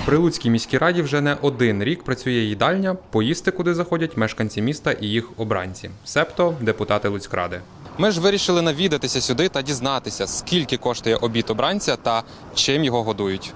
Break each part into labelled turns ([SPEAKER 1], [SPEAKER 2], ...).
[SPEAKER 1] При Луцькій міській раді вже не один рік працює їдальня, поїсти куди заходять мешканці міста і їх обранці, себто депутати Луцькради. Ми ж вирішили навідатися сюди та дізнатися, скільки коштує обід обранця та чим його годують.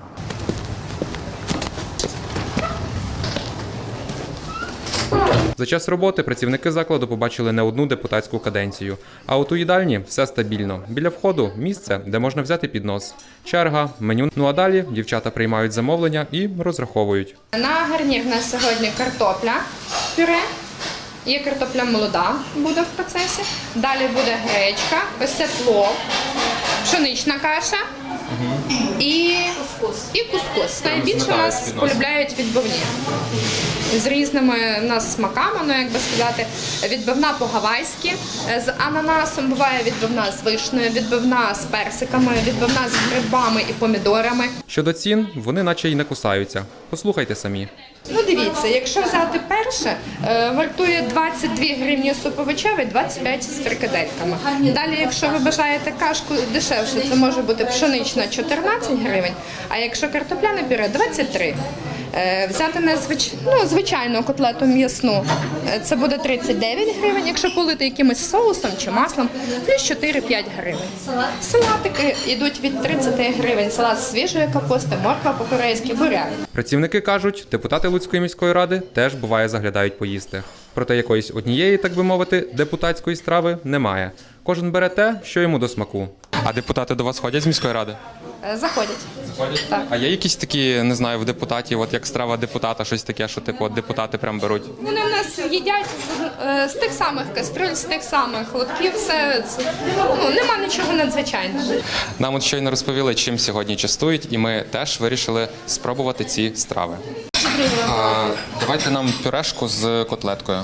[SPEAKER 1] За час роботи працівники закладу побачили не одну депутатську каденцію. А от у їдальні все стабільно. Біля входу – місце, де можна взяти піднос. Черга, меню. Ну а далі дівчата приймають замовлення і розраховують.
[SPEAKER 2] На гарнір у нас сьогодні картопля, пюре. Є картопля молода, буде в процесі. Далі буде гречка, ось це плов, пшенична каша і кускус. Найбільше нас полюбляють відбивні. З різними у нас смаками, ну як би сказати, відбивна по-гавайськи, з ананасом, буває відбивна з вишнею, відбивна з персиками, відбивна з грибами і помідорами.
[SPEAKER 1] Щодо цін, вони наче й не кусаються. Послухайте самі.
[SPEAKER 2] Ну дивіться, якщо взяти перше, вартує 22 гривні суп овочевий, 25 з фрикадельками. Далі, якщо ви бажаєте кашку дешевше, це може бути пшенична 14 гривень, а якщо картопляне пюре – 23. Взяти звичайну котлету м'ясну, це буде 39 гривень, якщо полити якимось соусом чи маслом, плюс 4-5 гривень. Салатики йдуть від 30 гривень, салат з свіжої капусти, морква по-корейськи, буряк.
[SPEAKER 1] Працівники кажуть, депутати Луцької міської ради теж, буває, заглядають поїсти. Проте якоїсь однієї, так би мовити, депутатської страви немає. Кожен бере те, що йому до смаку. А депутати до вас ходять з міської ради?
[SPEAKER 2] Заходять.
[SPEAKER 1] Так. А є якісь такі, не знаю, в депутатів, от як страва депутата, щось таке, що типу от депутати прям беруть?
[SPEAKER 2] Вони в нас їдять з тих самих кастрюль, з тих самих лотків, все це, нема нічого надзвичайного.
[SPEAKER 1] Нам от щойно розповіли, чим сьогодні частують, і ми теж вирішили спробувати ці страви. Давайте нам пюрешку з котлеткою.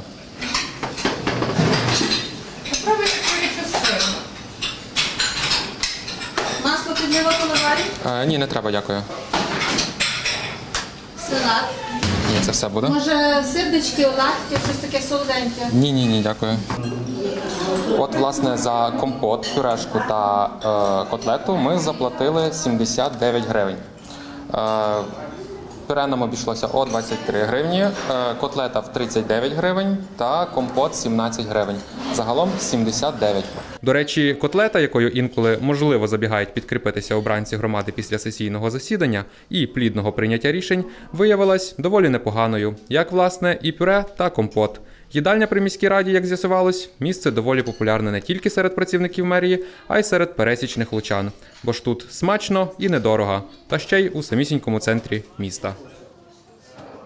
[SPEAKER 2] Попробуйте курячу з сиром.
[SPEAKER 3] Масло підливати на варі?
[SPEAKER 1] Ні, не треба, дякую.
[SPEAKER 3] Салат.
[SPEAKER 1] Ні, це все буде.
[SPEAKER 3] Може сирнички, оладки, щось таке солоденьке?
[SPEAKER 1] Ні, дякую. От, власне, за компот, пюрешку та котлету ми заплатили 79 гривень. Пюре нам обійшлося о 23 гривні, котлета в 39 гривень та компот 17 гривень. Загалом 79. До речі, котлета, якою інколи можливо забігають підкріпитися обранці громади після сесійного засідання і плідного прийняття рішень, виявилась доволі непоганою, як, власне, і пюре та компот. Їдальня при міській раді, як з'ясувалось, місце доволі популярне не тільки серед працівників мерії, а й серед пересічних лучан. Бо ж тут смачно і недорого, та ще й у самісінькому центрі міста.